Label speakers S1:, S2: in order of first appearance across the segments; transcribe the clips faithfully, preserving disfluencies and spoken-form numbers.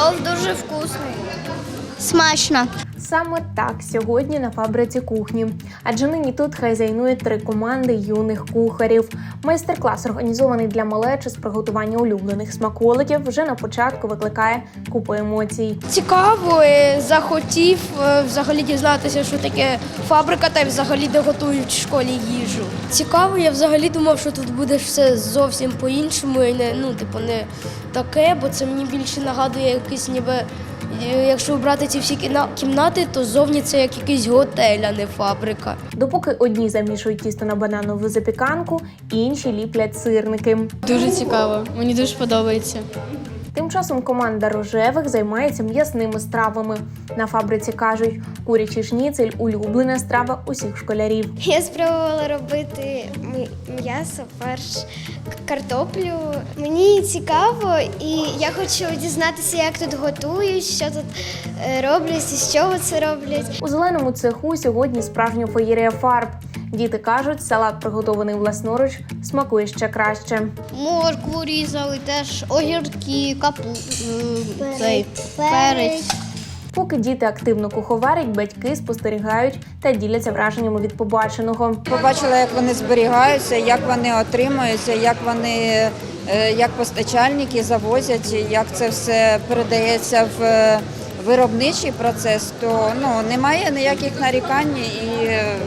S1: Плов дуже вкусний. Смачно.
S2: Саме так сьогодні на фабриці кухні. Адже нині тут хазяйнують три команди юних кухарів. Майстер-клас, організований для малечі з приготування улюблених смаколиків, вже на початку викликає купу емоцій.
S1: Цікаво, і захотів е, взагалі дізнатися, що таке фабрика та й взагалі де готують в школі їжу. Цікаво, я взагалі думав, що тут буде все зовсім по-іншому і не, ну, типу, не таке, бо це мені більше нагадує якийсь ніби. Якщо брати ці всі кімнати, то зовні це як якийсь готель, а не фабрика.
S2: Допоки одні замішують тісто на бананову запіканку, інші ліплять сирники.
S3: Дуже цікаво, мені дуже подобається.
S2: Тим часом команда рожевих займається м'ясними стравами. На фабриці кажуть, курячий шніцель – улюблена страва усіх школярів.
S4: Я спробувала робити м'ясо, фарш, картоплю. Мені цікаво і я хочу дізнатися, як тут готують, що тут роблять і з чого це роблять.
S2: У зеленому цеху сьогодні справжня феєрія фарб. Діти кажуть, салат, приготований власноруч, смакує ще краще.
S1: Моркву різали, теж огірки, капу, цей, перець.
S2: Поки діти активно куховарять, батьки спостерігають та діляться враженнями від побаченого.
S5: Побачила, як вони зберігаються, як вони отримуються, як вони, як постачальники завозять, як це все передається в виробничий процес, то ну, немає ніяких нарікань і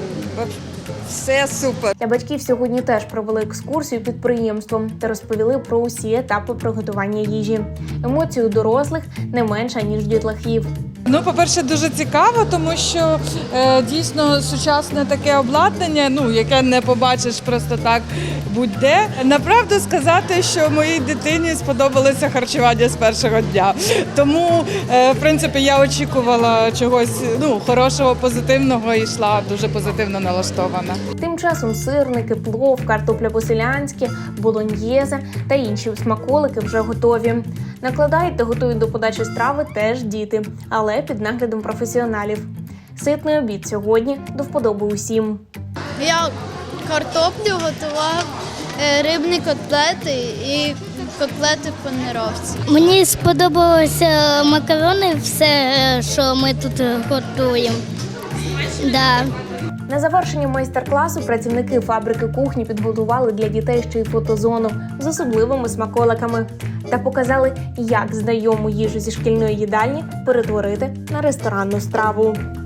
S5: все супер.
S2: Для батьків сьогодні теж провели екскурсію підприємством та розповіли про усі етапи приготування їжі. Емоції у дорослих не менше, ніж у дітлахів.
S6: Ну, по-перше, дуже цікаво, тому що е, дійсно сучасне таке обладнання, ну, яке не побачиш просто так будь-де. Направду сказати, що моїй дитині сподобалося харчування з першого дня. Тому, е, в принципі, я очікувала чогось ну, хорошого, позитивного і йшла дуже позитивно налаштована.
S2: Тим часом сирники, плов, картопля по-селянськи, болоньєзе та інші смаколики вже готові. Накладають та готують до подачі страви теж діти, але під наглядом професіоналів. Ситний обід сьогодні до вподоби усім.
S1: Я картоплю готував, рибні котлети і котлети в панировці.
S7: Мені сподобалося макарони, все, що ми тут готуємо. Да.
S2: На завершення майстер-класу працівники фабрики кухні підготували для дітей ще й фотозону з особливими смаколиками та показали, як знайому їжу зі шкільної їдальні перетворити на ресторанну страву.